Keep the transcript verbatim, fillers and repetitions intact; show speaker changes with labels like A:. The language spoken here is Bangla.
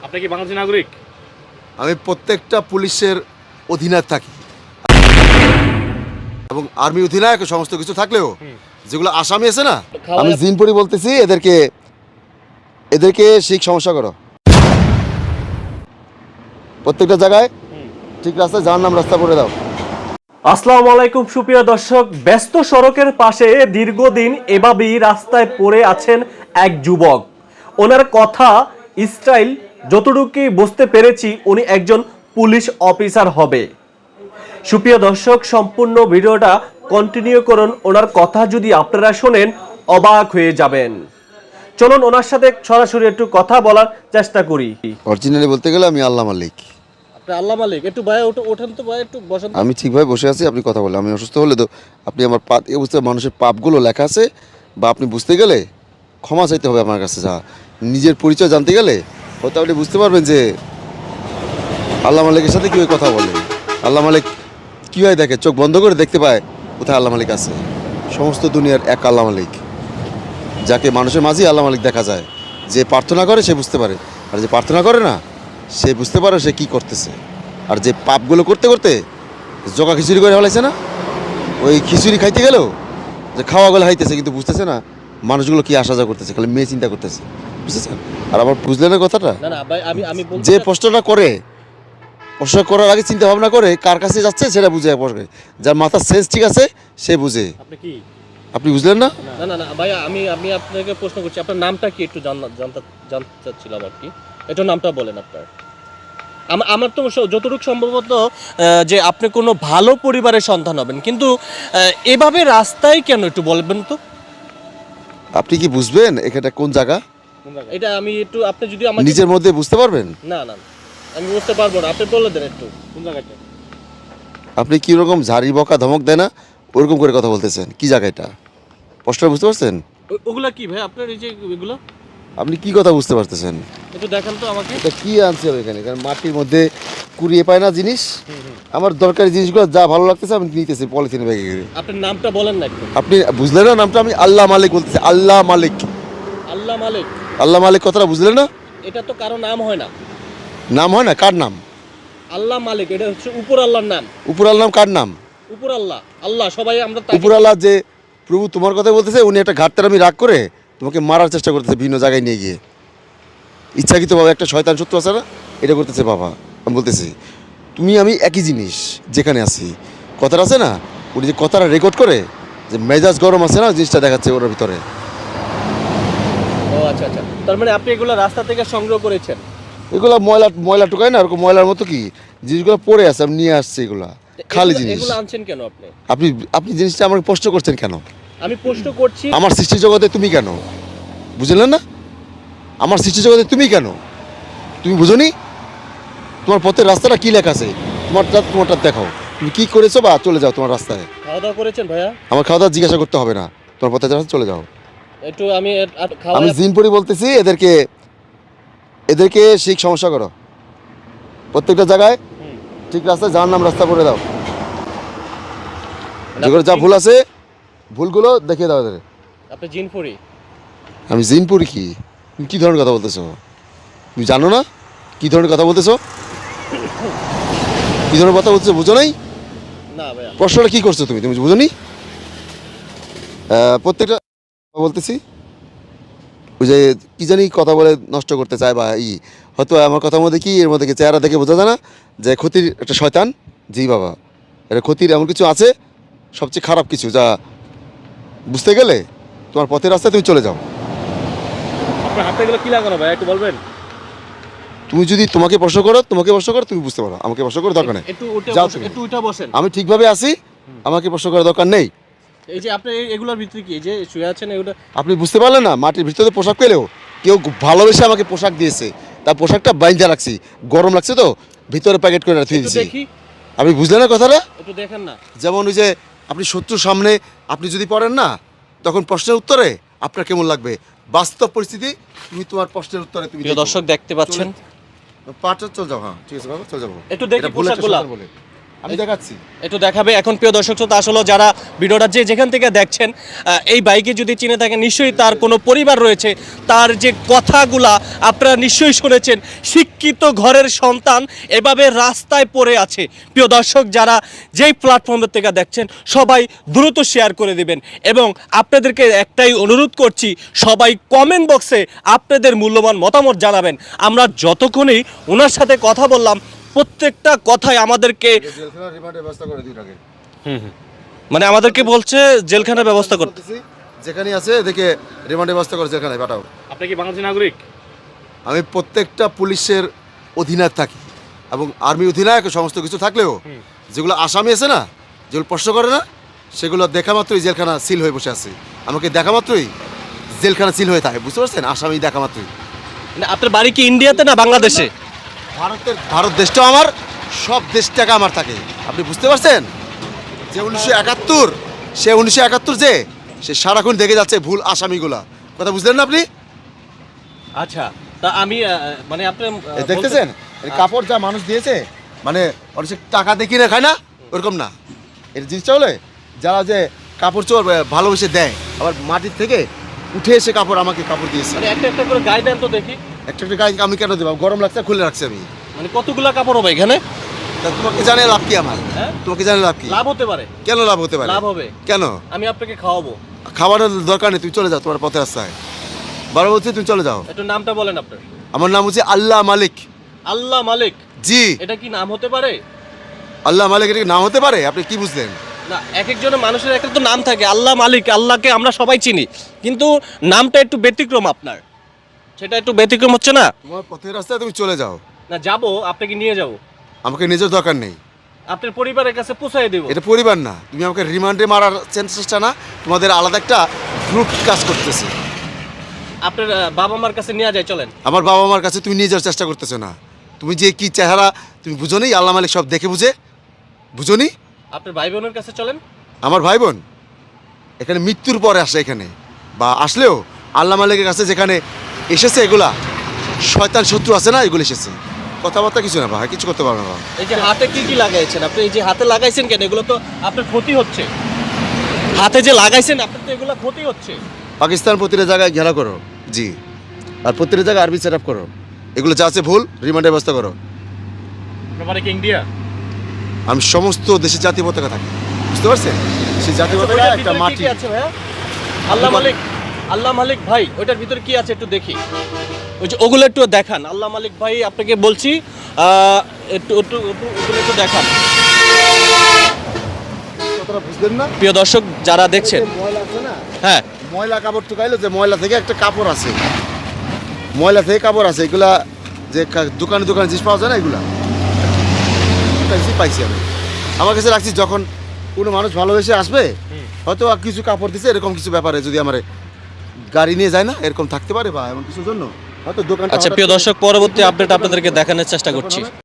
A: আপনি কি বাংলাদেশের নাগরিক?
B: আমি প্রত্যেকটা পুলিশের অধীনায়ক থাকি এবং আর্মি অধীনায়ক সমস্ত কিছু থাকলেও যেগুলো আসামি আছে না, আমি জিনপুরি বলতেছি, এদেরকে এদেরকে শিখ সমস্যা করো প্রত্যেকটা জায়গায় ঠিক রাস্তায় যার নাম রাস্তা করে দাও।
C: আসসালামু আলাইকুম সুপ্রিয় দর্শক, ব্যস্ত সড়কের পাশে দীর্ঘদিন এভাবেই রাস্তায় পড়ে আছেন এক যুবক। ওনার কথা স্টাইল যতটুকু বুঝতে পেরেছি উনি একজন পুলিশ অফিসার হবে। সুপ্রিয় দর্শক, সম্পূর্ণ ভিডিওটা কন্টিনিউ করুন। ওনার কথা যদি আপনারা শোনেন অবাক হয়ে যাবেন। চলুন ওনার সাথে সরাসরি একটু কথা বলার চেষ্টা করি।
B: অরিজিনালি বলতে গেলে আমি আল্লাহ মালিক।
A: আল্লাহ মালিক, একটু ভাই ওঠেন তো ভাই, একটু বসেন।
B: আমি ঠিকভাবে বসে আছি, আপনি কথা বলেন। আমি অসুস্থ হলে তো আপনি আমার পা এ বুঝতে মানুষের পাপগুলো লেখা আছে, বা আপনি বুঝতে গেলে ক্ষমা চাইতে হবে আমার কাছে। যা নিজের পরিচয় জানতে গেলে হয়তো আপনি বুঝতে পারবেন যে আল্লাহ মালিকের সাথে কীভাবে কথা বলে, আল্লাহ মালিক কীভাবে দেখে, চোখ বন্ধ করে দেখতে পায় কোথায় আল্লাহ মালিক আছে। সমস্ত দুনিয়ার এক আল্লাহ মালিক, যাকে মানুষের মাঝেই আল্লাহ মালিক দেখা যায়। যে প্রার্থনা করে সে বুঝতে পারে, আর যে প্রার্থনা করে না সে বুঝতে পারে সে কী করতেছে। আর যে পাপগুলো করতে করতে জগা খিচুড়ি করে ফেলাইছে না, ওই খিচুড়ি খাইতে গেলেও যে খাওয়াগুলো খাইতেছে কিন্তু বুঝতেছে না মানুষগুলো কি আসা যাওয়া করতেছে, খালি মেয়ে চিন্তা করতেছে, বুঝতেছেন? আর আবার বুঝলেন না কথাটা,
A: না না ভাই, আমি আমি
B: যে প্রশ্নটা করে প্রশ্ন করার আগে চিন্তা ভাবনা করে কার কাছে যাচ্ছে সেটা বুঝে প্রশ্ন, যার মাথার সেন্স ঠিক আছে সে বুঝে।
A: আপনি কি
B: আপনি বুঝলেন না?
A: না না না ভাই, আমি আমি আপনাকে প্রশ্ন করছি, আপনার নামটা কি একটু জানতে জানতে জানতে চাচ্ছিলাম আর কি। একটু নামটা বলেন আপনার। আমার আমার তো যতটুকু সম্ভবত যে আপনি কোনো ভালো পরিবারের সন্তান হবেন, কিন্তু এভাবে রাস্তায় কেন একটু বলবেন তো।
B: আপনি কি বুঝবেন এখানটা কোন জায়গা?
A: এটা আমি একটু, আপনি যদি আমাকে
B: নিজের মধ্যে বুঝতে পারবেন।
A: না না আমি বুঝতে পারবো না, আপনি বলে দেন একটু কোন জায়গাটা।
B: আপনি কীরকম ঝাড়ি বকা ধমক দেয় না ওরকম করে কথা বলতেছেন, কি জায়গাটা প্রশ্নটা বুঝতে পারছেন?
A: ওগুলা কি ভাই আপনার, এই যে এগুলো
B: আপনি কি কথা বুঝতে পারতেছেন?
A: একটু দেখান তো আমাকে।
B: এটা কি আনছে এখানে? কারণ মাটির মধ্যে কুড়িয়ে পায় না জিনিস, আমার দরকারি জিনিসগুলো যা ভালো লাগতেছে আমি নিতেছি পলিথিনে ব্যাগে করে।
A: আপনার নামটা বলেন না একটু।
B: আপনি বুঝলেন না নামটা? আমি আল্লাহ মালিক বলতেছি, আল্লাহ মালিক।
A: আল্লাহ মালিক,
B: আল্লাহ মালিক কথাটা বুঝলেন না?
A: এটা তো কারো নাম হয় না।
B: নাম হয় না? কার নাম?
A: আল্লাহ মালিক, এটা হচ্ছে উপর আল্লাহর নাম।
B: উপর আল্লাহ নাম কার নাম?
A: উপর আল্লাহ, আল্লাহ সবাই আমরা তাকে-
B: উপর আল্লাহ যে প্রভু তোমার কথা বলতেছে, উনি একটা ঘাটতার আমি রাগ করে তোমাকে মারার চেষ্টা করতেছে বিভিন্ন জায়গায় নিয়ে গিয়ে ইচ্ছাকৃতভাবে। একটা শয়তান শত্রু আছে না, এটা করতেছে বাবা। আমি বলতেছি তুমি আমি একই জিনিস যেখানে আছি। কথাটা আছে না, উনি যে কথাটা রেকর্ড করে যে মেজাজ গরম আছে না, জিনিসটা দেখাচ্ছে ওর ভিতরে।
A: ও আচ্ছা আচ্ছা, তার মানে আপনি এগুলো রাস্তা থেকে সংগ্রহ করেছেন?
B: এগুলো ময়লা ময়লা টুকায় না, ওরকম ময়লার মতো কি জিনিসগুলো পড়ে আছে, আমি নিয়ে আসছি এগুলা খালি
A: এগুলো-
B: জিনিস।
A: এগুলো আনছেন কেন আপনি?
B: আপনি আপনি জিনিসটা আমাকে প্রশ্ন করছেন কেন?
A: আমি প্রশ্ন করছি।
B: আমার সৃষ্টি জগতে তুমি কেন? বুঝলেন না? আমার সৃষ্টি জগতে তুমি কেন? তুমি বুঝোনি? তোমার পথের রাস্তাটা কি লেখা আছে? তোমারটা তোমারটা দেখাও, তুমি কি করেছো বা চলে যাও তোমার রাস্তায়।
A: খাওয়া দাওয়া করেছেন ভাইয়া?
B: আমার খাওয়া দাওয়া জিজ্ঞাসা করতে হবে না, তোমার পথে রাস্তা চলে যাও।
A: একটু আমি আপ- খাওয়া
B: আমি জিনপুরি বলতেছি, এদেরকে এদেরকে শিখ সমস্যা করো প্রত্যেকটা জায়গায় ঠিক রাস্তায় যার নাম রাস্তা করে দাও। যেগুলো যা ভুল আছে ভুলগুলো দেখিয়ে দাও এদের।
A: আপনি জিনপুরি?
B: আমি জিনপুরি কি? তুমি কী ধরনের কথা বলতেছো? তুমি জানো না কী ধরনের কথা বলতেছো? কী ধরনের কথা বলতেছো বুঝো নাই?
A: না ভাইয়া।
B: প্রশ্নটা কী করছো তুমি? তুমি বুঝো নি? প্রত্যেকটা বলতেছি ওই যে কী জানি কথা বলে নষ্ট করতে চায় বা ই, হয়তো আমার কথার মধ্যে কি এর মধ্যে কি চেহারা দেখে বোঝা যায় না যে ক্ষতির একটা শয়তান। জি বাবা, এটা ক্ষতির এমন কিছু আছে, সবচেয়ে খারাপ কিছু, যা বুঝতে গেলে তোমার পথের রাস্তায় তুমি চলে যাও।
A: আপনার হাতে এগুলো কি লাগানো ভাই, একটু বলবেন?
B: তুমি যদি তোমাকে প্রশ্ন করো তোমাকে প্রশ্ন করো তুমি বুঝতে পারো, আমাকে প্রশ্ন করার দরকার নেই।
A: একটু উঠে
B: যাও
A: বসেন,
B: তুমি।
A: একটু উঠে বসেন।
B: আমি ঠিকভাবে আছি, আমাকে প্রশ্ন করার দরকার নেই।
A: এই যে আপনি এই- এগুলোর ভিতরে কি, এই যে শুয়ে আছেন এগুলো?
B: আপনি বুঝতে পারলেন না? মাটির ভিতরে পোশাক পেলেও কেউ ভালোবেসে আমাকে পোশাক দিয়েছে, তার পোশাকটা বাইন্ধা রাখছি, গরম লাগছে তো ভিতরে প্যাকেট করে রাখতে
A: একটু
B: দিয়েছি।
A: দেখি,
B: আপনি বুঝলেন না কথাটা?
A: একটু দেখেন না।
B: যেমন ওই যে আপনি শত্রুর সামনে আপনি যদি পড়েন না, তখন প্রশ্নের উত্তরে আপনার কেমন লাগবে। বাস্তব পরিস্থিতি তুমি তোমার প্রশ্নের উত্তরে তুমি
A: প্রিয়
B: দেখো।
A: দর্শক দেখতে পাচ্ছেন,
B: পাটা চলে যাও। হ্যাঁ ঠিক আছে বাবা, চলে যাবো।
A: একটু দেখি
B: এটা ভুল একটা
A: পোশাকগুলা।
B: শয়তান বলে। আমি দেখাচ্ছি।
A: একটু দেখাবে এখন প্রিয় দর্শক শ্রোতা, আসলে যারা ভিডিওটা যে যেখান থেকে দেখছেন আহ, এই বাইকে যদি চিনে থাকেন নিশ্চয়ই তার কোনো পরিবার রয়েছে, তার যে কথাগুলা আপনারা নিশ্চয়ই শুনেছেন, শিক্ষিত ঘরের সন্তান এভাবে রাস্তায় পড়ে আছে। প্রিয় দর্শক যারা যেই প্ল্যাটফর্মের থেকে দেখছেন সবাই দ্রুত শেয়ার করে দিবেন এবং আপনাদেরকে একটাই অনুরোধ করছি, সবাই কমেন্ট বক্সে আপনাদের মূল্যবান মতামত জানাবেন। আমরা যতক্ষণই ওনার সাথে কথা বললাম প্রত্যেকটা কথাই আমাদেরকে
B: জেলখানার রিমান্ডের ব্যবস্থা করে দিন আগে।
A: মানে আমাদেরকে বলছে জেলখানার ব্যবস্থা করতে।
B: বলতেছি, যেখানে আছে দেখে রিমান্ডের ব্যবস্থা করে জেলখানায় পাঠাও।
C: আপনি কি বাংলাদেশি নাগরিক?
B: আমি প্রত্যেকটা পুলিশের অধীনে থাকি এবং আর্মি অধীনায়ক সমস্ত কিছু থাকলেও যেগুলো আসামি আছে না, যেগুলো প্রশ্ন করে না, সেগুলো দেখা মাত্রই জেলখানা সিল হয়ে বসে আছে। আমাকে দেখা মাত্রই জেলখানা সিল হয়ে থাকে, বুঝতে পারছেন? আসামি দেখা মাত্রই।
A: মানে আপনার বাড়ি কি ইন্ডিয়াতে না বাংলাদেশে?
B: ভারতের ভারত দেশটাও আমার, সব দেশটাকে আমার থাকে। আপনি বুঝতে পারছেন? যে উনিশশো একাত্তর সে উনিশশো একাত্তর যে সে সারাক্ষণ দেখে যাচ্ছে ভুল আসামিগুলা। কথা বুঝলেন না আপনি?
A: আচ্ছা, তা আমি আহ, মানে আপনি আহ,
B: এই দেখতেছেন এই কাপড় যা মানুষ দিয়েছে, মানে অনেক টাকা দেখি না খায় না, ওরকম না। এর জিনিসটা হলে যারা যে কাপড় চোর ভালোবেসে দেয়, আবার মাটির থেকে উঠে এসে কাপড় আমাকে কাপড় দিয়েছে।
A: মানে একটা একটা করে গায়ে দেন তো দেখি।
B: একটা একটা গায়ে আমি কেন দেবো? গরম লাগছে, খুলে রাখছি আমি।
A: মানে কতগুলা কাপড় হবে এখানে?
B: তা তোমাকে জানে লাভ কি আমার?
A: হ্যাঁ?
B: তোমাকে জানে লাভ কি?
A: লাভ হতে পারে।
B: কেন লাভ হতে পারে?
A: লাভ হবে।
B: কেন?
A: আমি আপনাকে খাওয়াবো।
B: খাবারের দরকার নেই, তুমি চলে যাও তোমার পথে রাস্তায়। বারো বলছি তুমি চলে যাও।
A: একটু নামটা বলেন আপনার।
B: আমার নাম হচ্ছে আল্লাহ মালিক।
A: আল্লাহ মালিক?
B: জি।
A: এটা কি নাম হতে পারে?
B: আল্লাহ মালিক এটা কি নাম হতে পারে? আপনি কি বুঝলেন?
A: না, এক একজনের মানুষের এক এক তো নাম থাকে। আল্লাহ মালিক, আল্লাহকে আমরা সবাই চিনি, কিন্তু নামটা একটু ব্যতিক্রম আপনার। সেটা একটু ব্যতিক্রম হচ্ছে না?
B: তোমার পথের রাস্তায় তুমি চলে যাও।
A: না, যাবো, আপনাকে নিয়ে যাব।
B: আমাকে নিজের দরকার নেই।
A: আপনার পরিবারের কাছে পৌঁছায় দেব।
B: এটা পরিবার না, তুমি আমাকে রিমান্ডে মারার চেষ্টা না, তোমাদের আলাদা একটা গ্রুপ কাজ করতেছে।
A: আপনার আহ, বাবা মার কাছে নিয়ে যায়, চলেন।
B: আমার বাবা মার কাছে তুমি নিয়ে যাওয়ার চেষ্টা করতেছো না। তুমি যে কি চেহারা তুমি বুঝো নি? আল্লাহ মালিক সব দেখে বুঝে, বুঝো নি?
A: আপনার ভাই বোনের কাছে চলেন।
B: আমার ভাই বোন এখানে মৃত্যুর পরে আসে, এখানে বা আসলেও আল্লাহ মালিকের কাছে যেখানে এসেছে, এগুলা শয়তান শত্রু আছে না, এগুলো এসেছে। কথাবার্তা কিছু না ভাই, কিছু করতে পারবে না।
A: এই যে হাতে কি কি লাগাইছেন আপনি? এই যে হাতে লাগাইছেন কেন? এগুলো তো আপনার ক্ষতি হচ্ছে। হাতে যে লাগাইছেন আপনার তো এগুলো ক্ষতি হচ্ছে।
B: পাকিস্তান প্রতিটা জায়গায় ঘেরা করো, জি, আর প্রতিটা জায়গায় আরবি সেট আপ করো। এগুলো যা আছে ভুল, রিমান্ডের ব্যবস্থা করো।
C: আপনার বাড়ি কি ইন্ডিয়া?
B: আমি সমস্ত দেশের জাতীয় পতাকা থাকি, বুঝতে পারছেন? সেই জাতীয় পতাকা
A: ওইটার
B: একটা
A: ভিতরে কি
B: মাটি।
A: কি আছে ভাইয়া? আল্লাহ মালিক, আল্লাহ মালিক ভাই, ওইটার ভিতরে কি আছে একটু দেখি। ওই যে ওগুলো একটু দেখান। আল্লাহ মালিক ভাই আপনাকে বলছি, আহ, একটু একটু একটু- ওগুলো একটু দেখান।
B: কথাটা বুঝলেন না?
A: প্রিয় দর্শক যারা দেখছেন,
B: এই যে ময়লা আছে না,
A: হ্যাঁ,
B: ময়লা কাপড় টুকাইলো, যে ময়লা থেকে একটা কাপড় আছে, ময়লা থেকে কাপড় আছে, এগুলা যে কা- দোকানে দোকানে জিনিস পাওয়া যায় না, এগুলা পাইছি পাইছি আমি আমার কাছে রাখছি। যখন কোনো মানুষ ভালোবেসে আসবে, হয়তো আর কিছু কাপড় দিছে, এরকম কিছু ব্যাপারে যদি আমার গাড়ি নিয়ে যায় না, এরকম থাকতে পারে বা এমন কিছুর জন্য হয়তো দোকানটা।
A: আচ্ছা প্রিয় দর্শক, পরবর্তী আপডেট আপনাদেরকে দেখানোর চেষ্টা করছি।